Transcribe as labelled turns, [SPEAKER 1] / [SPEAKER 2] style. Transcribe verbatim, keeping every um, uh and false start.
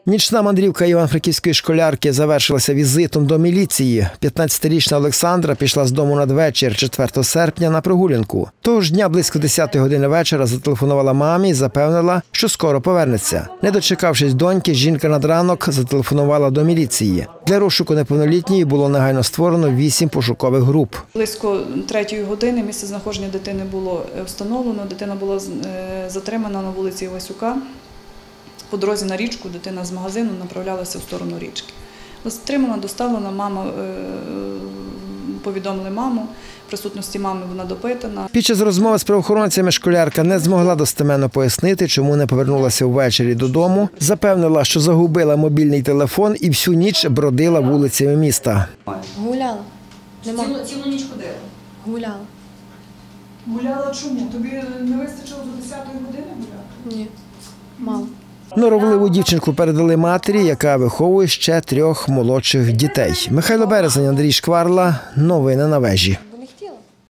[SPEAKER 1] Нічна мандрівка івано-франківської школярки завершилася візитом до міліції. п'ятнадцятирічна Олександра пішла з дому надвечір четвертого серпня на прогулянку. Того ж дня близько десятої години вечора зателефонувала мамі і запевнила, що скоро повернеться. Не дочекавшись доньки, жінка над ранок зателефонувала до міліції. Для розшуку неповнолітньої було негайно створено вісім пошукових груп.
[SPEAKER 2] Близько третьої години місце знаходження дитини було встановлено. Дитина була затримана на вулиці Івасюка. По дорозі на річку дитина з магазину направлялася в сторону річки. Затримана, доставлена, мама, повідомили маму, в присутності мами вона допитана.
[SPEAKER 1] Під час розмови з правоохоронцями школярка не змогла достеменно пояснити, чому не повернулася ввечері додому. Запевнила, що загубила мобільний телефон і всю ніч бродила вулицями міста.
[SPEAKER 3] Гуляла.
[SPEAKER 4] Цілу, цілу ніч ходила?
[SPEAKER 3] Гуляла.
[SPEAKER 5] Гуляла чому? Тобі не вистачило до десятої години гуляти?
[SPEAKER 3] Ні, мало.
[SPEAKER 1] Норовливу дівчинку передали матері, яка виховує ще трьох молодших дітей. Михайло Березень, Андрій Шкварла. Новини на вежі.